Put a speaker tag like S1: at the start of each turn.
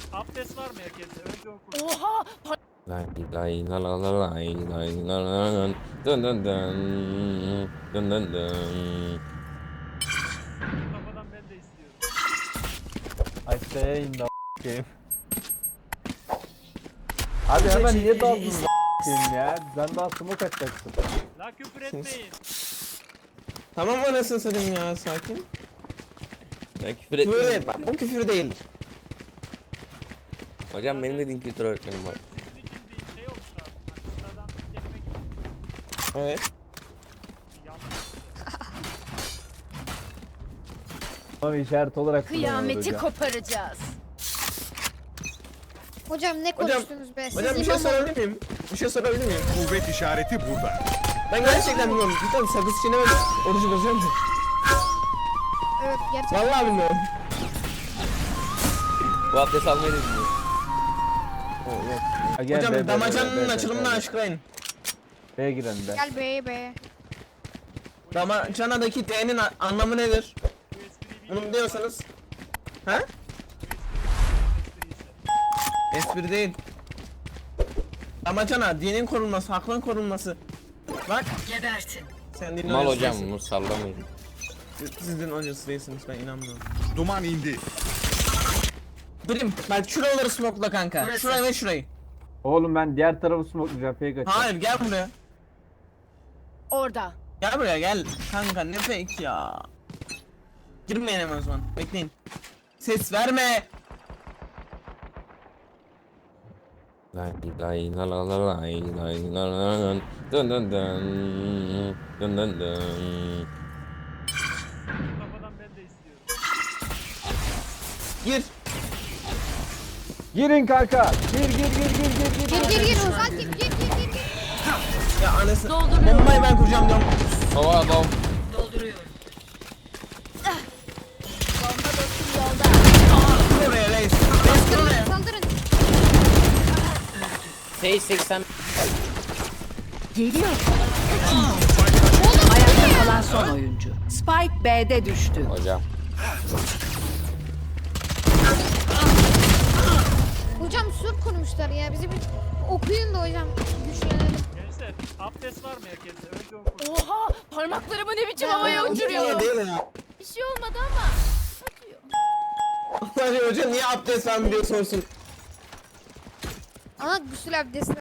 S1: Abdest var mı herkeste? Önce oku.
S2: Oha!
S3: Lay lay la la la lay lay la la la dın dın dın dın dın dın.
S1: Kafadan ben de istiyorum.
S4: I stay in the game. Abi hemen niye daldın game ya? Sen daha smoke atacaksın.
S1: La küfür etmeyin.
S5: Tamam anasını satayım ya, sakin.
S3: Ya küfür
S5: Küfür
S3: etme.
S5: et, bak bu küfür değil.
S3: Hocam benim de din kültürü öğretmenim var.
S1: Sizin için bir şey olmuş abi. Hani sıradan bir kelime gibi.
S5: Evet.
S1: Yanlış.
S4: Tamam işaret olarak
S2: Kıyameti
S4: kullanıyoruz
S2: koparacağız.
S6: Hocam ne
S5: Hocam,
S6: konuştunuz be? Siz
S5: hocam bir şey
S6: imam olun.
S5: sorabilir miyim? Bir şey sorabilir miyim?
S7: Kuvvet işareti burada.
S5: Ben gerçekten bilmiyorum. Cidden sakız çiğnemedim. Orucu bozuyorum.
S6: Evet gerçekten.
S5: Vallahi bilmiyorum.
S3: Bu abdest almayı da bilmiyor.
S4: Ha, gel,
S5: Hocam
S4: be, be, be,
S5: damacanın
S4: be,
S5: açılımını
S4: be.
S5: açıklayın.
S4: B'ye giren de.
S6: Gel be.
S5: Damacanadaki D'nin anlamı nedir?
S1: Bu espriyi bir
S5: Bunu biliyorsanız. Ha? Espri değil. Damacana, dinin korunması, hakkın korunması. Bak.
S2: Gebertin.
S5: Sen din
S3: Mal
S5: hocası
S3: hocam
S5: değilsin.
S3: bunu sallamayın.
S5: Siz din hocası değilsiniz, ben inanmıyorum.
S7: Duman indi.
S5: Bilim, bak şuraları smokla kanka.
S2: Burası.
S5: Şurayı ve şurayı.
S4: Oğlum ben diğer tarafı smokelayacağım. Fake açacağım.
S5: Hayır, gel buraya.
S2: Orada.
S5: Gel buraya gel. Kanka ne fake ya. Girmeyin hemen o zaman. Bekleyin. Ses verme.
S3: Lay lay la la la lay lay la la la dın dın dın dın dın dın.
S1: kafadan ben de istiyorum.
S5: Gir.
S4: Girin kanka. Gir.
S6: Gir Ozan gir.
S5: Ya anasını.
S2: Dolduruyorum.
S5: Bombayı ben kuracağım diyorum.
S3: Hava adam.
S2: Dolduruyorum.
S5: Dur oraya reis. Reis dur oraya.
S6: Saldırın.
S3: Şey 80.
S2: Geliyor. Ayakta kalan son oyuncu. Spike B'de düştü.
S3: Hocam.
S6: Hocam sur kurmuşlar ya. Bizi bir okuyun da hocam. Güçlenelim.
S1: Gençler abdest var mı herkeste? Önce oku.
S2: Oha! Parmaklarımı ne biçim havaya
S5: Niye
S2: uçuruyorum.
S5: değil ya.
S2: Bir şey olmadı ama. Atıyor.
S5: Hadi hoca niye abdest vermiyor diye sorsun.
S6: Ana gusül abdesti.